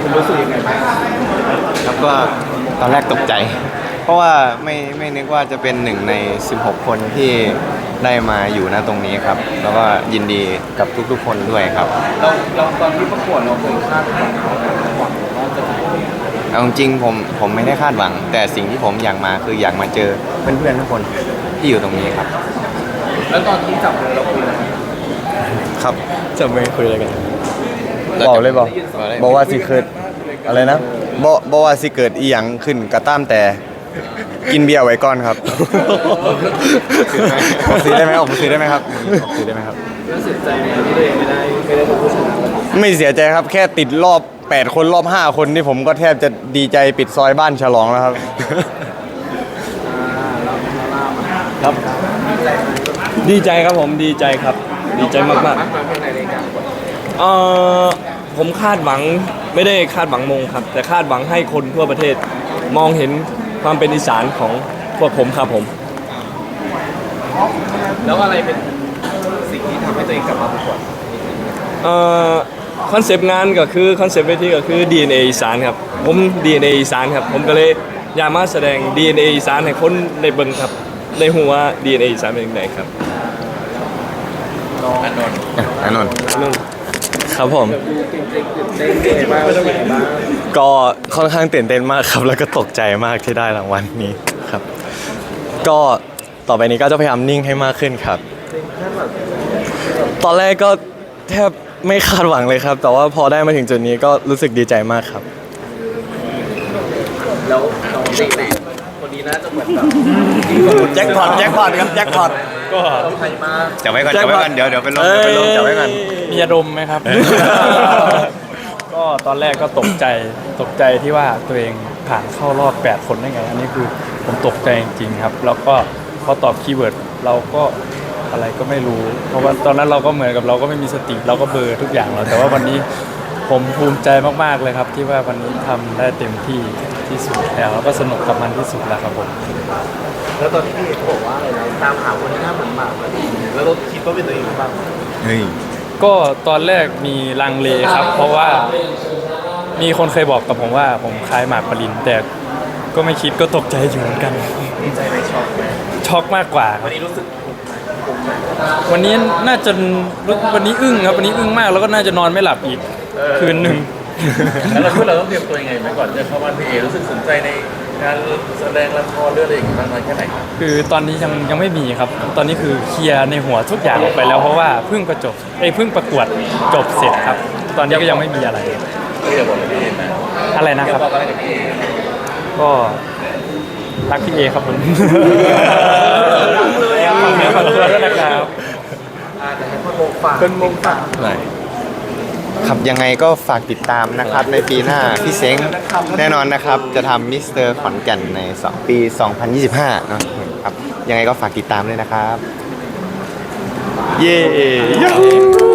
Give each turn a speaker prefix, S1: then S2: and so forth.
S1: คุณรู้สึกยังไงบ้าง
S2: ครับก็ตอนแรกตกใจเพราะว่าไม่นึกว่าจะเป็นหนึ่งใน16คนที่ได้มาอยู่ณตรงนี้ครับแล้วก็ยินดีกับทุกๆคนด้วยครับ
S1: เราตอนที่ประกวดเราเคยคาดหวังว่าจะได้
S2: เอาจริงผมไม่ได้คาดหวังแต่สิ่งที่ผมอยากมาคืออยากมาเจอเพื่อนๆทุกคนที่อยู่ตรงนี้ครับ
S1: แล้วตอนที่จับมือเราคุยอะไร
S2: ครับจะไม่คุยอะไรกัน
S3: บอกเลยบอกว่าสิเกิดอะไรนะบอกว่าสิเกิดอีหยังขึ้นกระต้ามแต่กินเบียร์ไว้ก่อนครับผมซื้อได้ไหมผมซื้อได้ไหมครับผมซื้อได้ไหมครับ
S1: แล้วเสียใจไหมที่ตัวเองไม่ได้เป็นผู้ชนะ
S3: ไม่เสียใจครับแค่ติดรอบ8คนรอบ5คนที่ผมก็แทบจะดีใจปิดซอยบ้านฉลองแล้วครับ
S4: ครับดีใจครับผมดีใจครับดีใจมากๆผมคาดหวังไม่ได้คาดหวังมงครับแต่คาดหวังให้คนทั่วประเทศมองเห็นความเป็นอีสานของพวกผมครับผม
S1: แล้วอะไรเป็นสิ่งที่ทำให้ตัวเองกลับมาประกวด
S4: คอนเซปต์งานก็คือคอนเซปต์เวทีก็คือ DNA อีสานครับผม DNA อีสานครับผมก็เลยอยากมาแสดง DNA อีสานให้คนในเบิ่งครับในหัว DNA อีสานเป็นยังไงครับ
S3: อานนท์
S2: ครับผมก็ค่อนข้างตื่นเต้นมากครับแล้วก็ตกใจมากที่ได้รางวัลนี้ครับก็ต่อไปนี้ก็จะพยายามนิ่งให้มากขึ้นครับตอนแรกก็แทบไม่คาดหวังเลยครับแต่ว่าพอได้มาถึงจุดนี้ก็รู้สึกดีใจมากครับ
S1: แล้วน้องเด็กไหนคนนี้น่าจะเหมือนแบบ
S3: แจ็คพอตครับแจ็คพอต
S4: ก็
S1: ใครมา
S2: จับไว้ก่อนเดี๋ยวไปลงจับไว้ก่อน
S4: มีอารมณ์ไหมครับก็ตอนแรกก็ตกใจที่ว่าตัวเองผ่านเข้ารอบ8คนได้ไงอันนี้คือผมตกใจจริงๆครับแล้วก็พอตอบคีย์เวิร์ดเราก็อะไรก็ไม่รู้เพราะว่าตอนนั้นเราก็เหมือนกับเราก็ไม่มีสติเราก็เบลอทุกอย่างแล้วแต่ว่าวันนี้ผมภูมิใจมากๆเลยครับที่ว่าวันนี้ทำได้เต็มที่สุดแล้วก็สนุกกับมันที่สุดแล้วครับผม
S1: แล้วตอนที่พี่เอกบอกว่าอะไรนะตามหาคนที่หน้าเหมือนหมากแล้วเราคิดว่าเป็นตัวเองหรือเปล่า
S2: เฮ้ย
S4: ก็ตอนแรกมีลังเลครับเพราะว่ามีคนเคยบอกกับผมว่าผมคล้ายหมากปรินแต่ก็ไม่คิดก็ตกใจอยู่เหมือนกัน
S1: ดีใจไหม
S4: ช็อกมากกว่า
S1: วันนี้รู้สึก
S4: วันนี้น่าจะวันนี้อึ้งครับวันนี้อึ้งมากแล้วก็น่าจะนอนไม่หลับอีกคืนหนึ่ง
S1: แล้วเราต้องเตรียมตัวยังไงไหมก่อนจะเข้าวันพี่เอรู้สึกสนใจในการแสดงละครเรื่องอะไรอย่างนี้บ้างไหมแค่ไหน
S4: คือตอนนี้ยังไม่มีครับตอนนี้คือเคลียร์ในหัวทุกอย่างออกไปแล้วเพราะว่าเพิ่งประกวดจบเสร็จครับตอนนี้ก็ยังไม่มีอะไร
S1: อยากบอกพี่เอนะ
S4: อะไรนะครับก็รักพี่เอครับผมขอบคุณด้วยนะครับ
S1: แต่ให้คนมงฝาก
S2: ไหนครับยังไงก็ฝากติดตามนะครับในปีหน้าพี่เซ้งแน่นอนนะครับจะทำมิสเตอร์ขอนแก่นในปี 2025นะครับยังไงก็ฝากติดตามด้วยนะครับเย้